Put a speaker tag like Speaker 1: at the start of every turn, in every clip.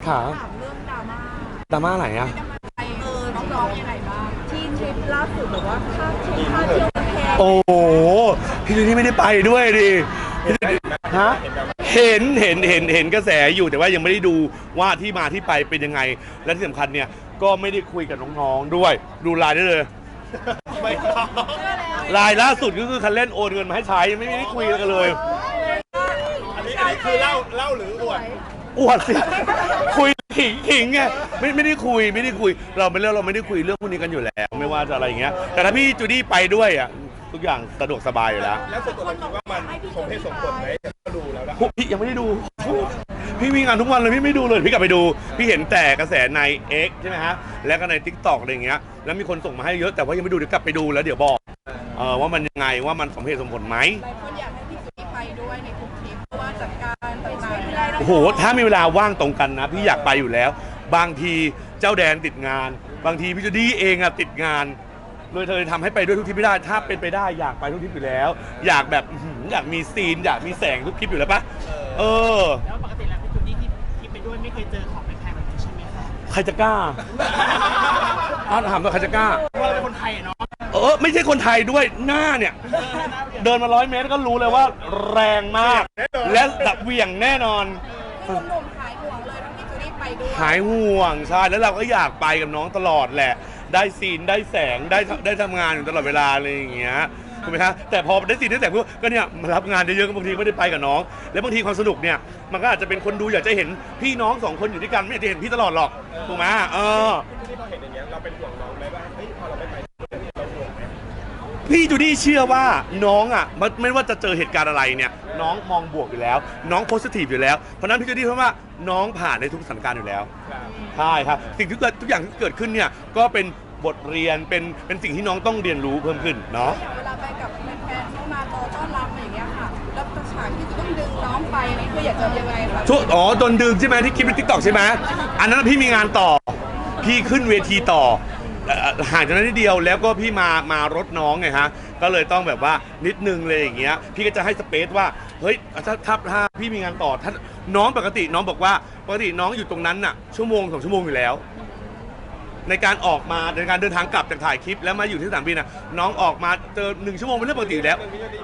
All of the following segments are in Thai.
Speaker 1: ค่ะ
Speaker 2: ถามเรื่องดราม่า
Speaker 1: ดราม่าไหนอะ
Speaker 2: น้องๆยังไงบ้างที่ทริปล่าสุดแบบว่าค่าเที่ยวแพง
Speaker 1: โอ้โหพี่จูนี่ไม่ได้ไปด้วยดิฮะเห็นกระแสอยู่แต่ว่ายังไม่ได้ดูว่าที่มาที่ไปเป็นยังไงและที่สำคัญเนี่ยก็ไม่ได้คุยกับน้องๆด้วยดูไลน์ได้เลยไม่ไลน์ล่าสุดก็คือคันเล่นโอนเงินมาให้ใช้ไม่ได้คุยกันเลย
Speaker 3: อันนี้คือเล่าหรืออวด
Speaker 1: สิคุยขิงไงไม่ได้คุยเราไม่ได้คุยเรื่องพวกนี้กันอยู่แล้วไม่ว่าจะอะไรอย่างเงี้ยแต่ถ้าพี่จูดี้ไปด้วยอ่ะทุกอย่างสะดวกสบายอยู่แล้ว
Speaker 3: แล้วส่วนตัวเราคิดว่ามันสมเหตุสมผลไหมก็ดูแล้วนะ
Speaker 1: พี่ยังไม่ได้ดูพี่มีงานทุกวันเลยพี่ไม่ดูเลยพี่กลับไปดูพี่เห็นแต่กระแสใน X ใช่ไหมฮะแล้วก็ใน TikTok อะไรอย่างเงี้ยแล้วมีคนส่งมาให้เยอะแต่ว่ายังไม่ดูเดี๋ยวกลับไปดูแล้วเดี๋ยวบอกว่ามันยังไงว่ามันสมเหตุสมผลไหม
Speaker 2: หลายคนอยากให้พี่จูดี้ไปด้วยในทุกทริปเพราะว่าจัดการไปไหนไม่ได้
Speaker 1: โอ้โหถ้ามีเวลาว่างตรงกันนะพี่อยากไปอยู่แล้วบางทีเจ้าแดนติดงานบางทีพี่จูดี้เองอะติดงานเลยเธอทำให้ไปด้วยทุกทริปไม่ได้ถ้าเป็นไปได้อยากไปทุกทริปอยู่แล้วอยากแบบอยากมีซีนอยากมีแสงทุกทริปอยู่แล้วปะ
Speaker 4: แล้วปกติแล้วพี่จูดี้ที่ไปด้วยไม่เคยเจอของแพงแบบนี้ใช่ไหมคะ
Speaker 1: ใครจะกล้าถามตัวใครจะกล้า
Speaker 4: เราเป็นคนไทยเนาะ
Speaker 1: ไม่ใช่คนไทยด้วยหน้าเนี่ยเดินมา100 เมตรก็รู้เลยว่าแรงมากและดับเหวี่ยงแน่นอน
Speaker 2: หนุ่มๆหายห่วงเลยถ้าพี่จูดี้ไปด้วย
Speaker 1: หายห่วงใช่แล้วเราก็อยากไปกับน้องตลอดแหละได้ซีนได้แสงได้ทำงานอยู่ตลอดเวลาอะไรอย่างเงี้ยถูกไหมคะแต่พอได้ซีนได้แสงก็เนี่ยมารับงานเยอะๆบางทีไม่ได้ไปกับน้องแล้วบางทีความสนุกเนี่ยมันก็อาจจะเป็นคนดูอยากจะเห็นพี่น้อง2 คนอยู่ด้วยกันไม่อยากจะเห็นพี่ตลอดหรอกถูกไหม
Speaker 3: ที่พอเห็นอย่างเงี้ยเราเป็นห่วงน้องไหมว่าเฮ้ยพอเราไม่ไปเราห่วงไหม
Speaker 1: พี่จูดี้เชื่อว่าน้องอ่ะไม่ว่าจะเจอเหตุการณ์อะไรเนี่ยน้องมองบวกอยู่แล้วน้องโพสิทีฟอยู่แล้วเพราะนั้นพี่จูดี้เพราะว่าน้องผ่านในทุกสถานการณ์อยู่แล้วใช่ครับสิ่งที่ทุกอย่างที่เกิดขึ้นเนี่ยก็เป็นบทเรียนเป็นสิ่งที่น้องต้องเรียนรู้เพิ่มขึ้นเนาะ
Speaker 2: เวลาไปกับแฟนๆเข้ามาต้อนรับอย่างเงี้ยค่ะแล้วฉากที่จะต้องดึงน้องไปนี่คืออยากจะยังไงคะ
Speaker 1: โดนดึงใช่ไหมที่คลิปใน TikTok ใช่ไหมอันนั้นพี่มีงานต่อพี่ขึ้นเวทีต่อห่างจากนั้นนิดเดียวแล้วก็พี่มารถน้องไงฮะก็เลยต้องแบบว่านิดนึงเลยอย่างเงี้ยพี่ก็จะให้สเปซว่าเฮ้ยถ้าพี่มีงานต่อถ้าน้องปกติน้องบอกว่าปกติน้องอยู่ตรงนั้นน่ะชั่วโมง2 ชั่วโมงอยู่แล้วในการออกมาในการเดินทางกลับจากถ่ายคลิปแล้วมาอยู่ที่สนามบินน่ะน้องออกมาเจอ1 ชั่วโมงเป็นเรื่องปกติอยู่แล้ว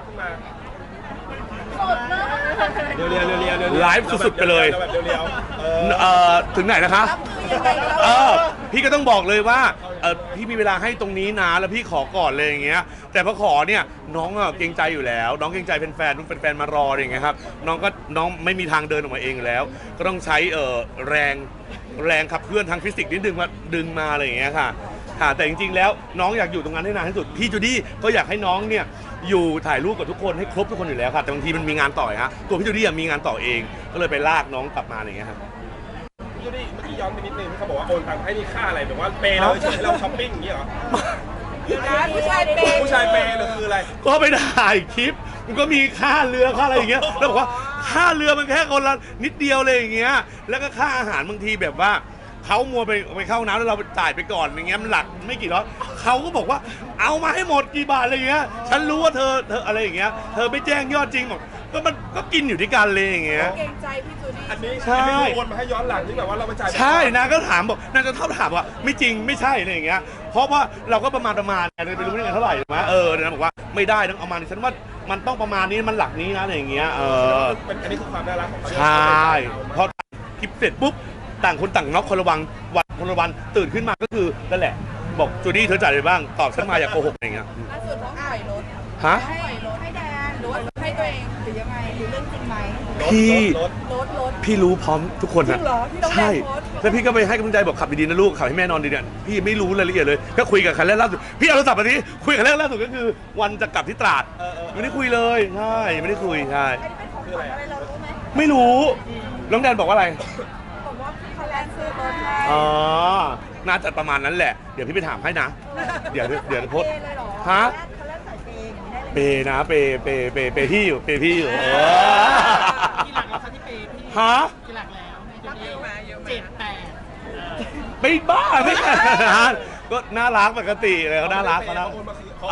Speaker 1: ไลฟ์สุดๆไปเลยถึงไหนนะคะพี่ก็ต้องบอกเลยว่าพี่มีเวลาให้ตรงนี้นะแล้วพี่ขอก่อนเลยอย่างเงี้ยแต่พอขอเนี่ยน้องเกรงใจอยู่แล้วน้องเกรงใจแฟนๆมารออย่างเงี้ยครับน้องไม่มีทางเดินออกมาเองแล้วก็ต้องใช้แรงขับเคลื่อนทางฟิสิกส์นิดนึงมาดึงมาอะไรอย่างเงี้ยค่ะแต่จริงๆแล้วน้องอยากอยู่ตรงนั้นให้นานที่สุดพี่จูดี้ก็อยากให้น้องเนี่ยอยู่ถ่ายรูปกับทุกคนให้ครบทุกคนอยู่แล้วค่ะแต่บางทีมันมีงานต่อฮะตัวพี่จูดี้มีงานต่อเองก็เลยไปลากน้องกลับมาอะไรอย่างเงี้ยครับ
Speaker 3: พี่จูดี้เมื่อกี้ย้อนไปนิดนึงเขาบอกว่าโอนตังค์ให้นี่ค่าอะไรแบบว่าเปย์เราใช่เราช้อปปิ้งอย่างนี้เหรอ
Speaker 2: ผู้ชายเป
Speaker 3: ย์หรือคืออะไร
Speaker 1: ก็ไปถ่ายคลิปมันก็มีค่าเรือค่าอะไรอย่างเงี้ยแล้วบอกว่าค่าเรือมันแค่คนละนิดเดียวเลยอย่างเงี้ยแล้วก็ค่าอาหารบางทีแบบว่าเขามัวไปเข้าน้ำแล้วเราจ่ายไปก่อนอย่างเงี้ยมันหลักไม่กี่ร้อยเขาก็บอกว่าเอามาให้หมดกี่บาทอะไรอย่างเงี้ยฉันรู้ว่าเธออะไรอย่างเงี้ยเธอไม่แจ้งยอดจริงบอกก็มันก็กินอยู่ที่กันเลยอย่างเงี้ย
Speaker 2: เกรงใจพี่จูดี้
Speaker 3: อันนี้ใช่โอนมาให้ย้อนหลังที่แบบว่าเราไปจ่าย
Speaker 1: ใช่นะก็ถามบอกนางจะถามว่าไม่จริงไม่ใช่อะไรอย่างเงี้ยเพราะว่าเราก็ประมาณไงเลยไม่รู้ได้เงินเท่าไหร่ถูกไหมนะบอกว่าไม่ได้ต้องเอามาดิฉันว่ามันต้องประมาณนี้มันหลักนี้นะอะไรอย่างเงี้ย
Speaker 3: อันนี้คือความน่ารักของเขา
Speaker 1: ใช่พอคลิปเสร็จปุ๊บต่างคนต่างน็อกคนละวันตื่นขึ้นมาก็คือนั่นแหละบอกจูดี้เธอจ่ายอะไรบ้างตอบฉันมาอย่าโกหกอย่างเงี้ย
Speaker 2: ล่าสุดน้องปล่อยรถ
Speaker 1: ฮะ
Speaker 2: ปล่อยรถให้แดนหรือว่าให้ตัวเองหรือยังไงหรือเรื่องจริงไหม
Speaker 1: พี่รู้พร้อมทุกคนนะใช่แล้วพี่ก็ไปให้กำลังใจบอกขับดีๆนะลูกขับให้แม่นอนดีเนี่ยพี่ไม่รู้รายละเอียดเลยก็คุยกับคันแรกล่าสุดพี่เอาโทรศัพท์มาทีคุยกับคันแรกล่าสุดก็คือวันจะกลับที่ตราดไม่ได้คุยเลยใช่ไม่ได้คุยใช่ไม่รู้น้องแดนบอกว่าอะไร
Speaker 2: บอกว่าคันแรกซื้อรถ
Speaker 1: น่าจะประมาณนั้นแหละเดี๋ยวพี่ไปถามให้นะเดี๋ยวโพสฮะเปนะเปพี่อยู่เปพี่อยู่
Speaker 4: กี่หลักแล้วคะที่เปพี่
Speaker 1: ฮะ
Speaker 4: กี่หลักแล้ว7-8
Speaker 1: ไม่บ้าไม่ก็น่ารักปกติเลยเขาน่ารักเขา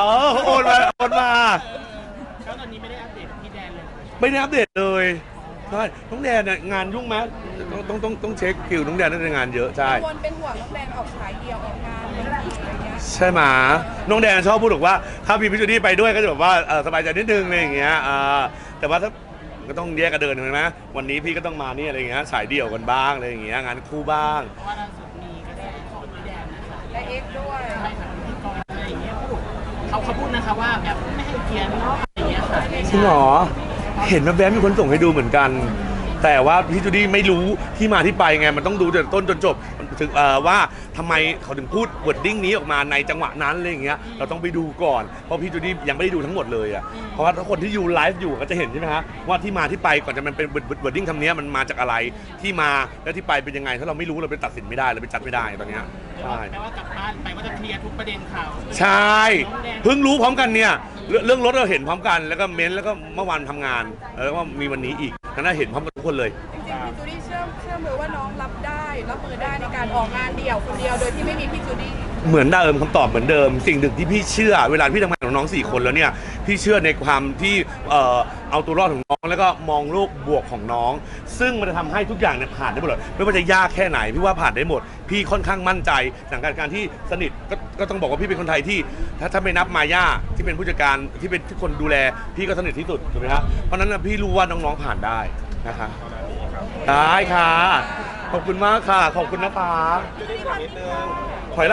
Speaker 1: โอนมา
Speaker 4: แล้วตอนนี้ไม่ได้อัปเดตพี่แดนเลย
Speaker 1: ไม่ได้อัปเดตเลยใช่น้องแดนเนี่ยงานยุ่งไหมต้องเช็คคิวน้องแดนน่าจะงานเยอะใช่
Speaker 2: วนเป็นห่วงน้องแดนออกฉายเดียวออกงานอะไรอย่างเงี้ย
Speaker 1: ใช่ไหมน้องแดนชอบพูดบอกว่าถ้ามีพี่จูดี้ไปด้วยก็จะแบบว่าสบายใจนิดนึงอะไรอย่างเงี้ยแต่ว่าถ้าก็ต้องแยกกันเดินเห็นไหมวันนี้พี่ก็ต้องมานี่อะไรอย่างเงี้ยสายเดี่ยวกันบ้างอะไรอย่างเงี้ยงานคู่บ้าง
Speaker 4: เพราะว่าล่าสุดมีกระแสของพี่แดนนะคะ
Speaker 2: และเอ็กซ์ด้วย
Speaker 4: ใช่ค่ะพิธีกรอะไรอย่างเงี้ยพูดเขาพูดนะคะว่าแบบไม่ให้เกียรติเนาะอะไรอย่างเงี้ยค่ะ
Speaker 1: จริงเหรอเห็นแวบๆมีคนส่งให้ดูเหมือนกัน แต่ว่าพี่จูดี้ไม่รู้ที่มาที่ไปไงมันต้องดูจากต้นจนจบถึงว่าทำไมเขาถึงพูดวอร์ดดิ้งนี้ออกมาในจังหวะนั้นอะไรอย่างเงี้ยเราต้องไปดูก่อนเพราะพี่จูดี้ยังไม่ได้ดูทั้งหมดเลยอ่ะเพราะว่าถ้าคนที่อยู่ไลฟ์อยู่ก็จะเห็นใช่ไหมฮะว่าที่มาที่ไปก่อนจะมันเป็นวอร์ดดิ้งคำนี้มันมาจากอะไรที่มาแล้วที่ไปเป็นยังไงถ้าเราไม่รู้เราไปตัดสินไม่ได้เราไปจัดไม่ได้ตอนเนี้ยใช่
Speaker 4: แปลว่ากลับบ้านไปว่าจะเคลียร์ทุกประเด็นข่าว
Speaker 1: ใช่เพิ่งรู้พร้อมกันเนี่ยเรื่องรถเราเห็นพร้อมกันแล้วก็เม้นแล้วก็เมื่อวานทำงานแล้วก็มีวันนี้อีกนั่นเห็นพร้อมกันทุกคนเลย
Speaker 2: จริงๆพี่จูดี้เชื่อมือว่าน้องรับมือได้ในการออกงานเดี่ยวคนเดียวโดยที่ไม่มีพี่จูดี้
Speaker 1: เหมือนเดิมคำตอบเหมือนเดิมสิ่งหนึ่งที่พี่เชื่อเวลาพี่ทำงานกับน้อง4 คนแล้วเนี่ยพี่เชื่อในความที่เอาตัวรอดของน้องแล้วก็มองโลกบวกของน้อง ซึ่งมันจะทำให้ทุกอย่างเนี่ยผ่านได้หมดเลยไม่ว่าจะยากแค่ไหนพี่ว่าผ่านได้หมด พี่ค่อนข้างมั่นใจหลังการที่สนิทก็ต้องบอกว่าพี่เป็นคนไทยที่ถ้าไม่นับมาย่าที่เป็นผู้จัดการที่เป็นทุกคนดูแลพี่ก็สนิทที่สุดถูกไหมครับเพราะฉะนั้นนะพี่รู้ว่าน้องๆผ่านได้นะคะได้ค่ะขอบคุณมากค่ะขอบคุณนะคะ
Speaker 3: จะได้ถามนิดนึง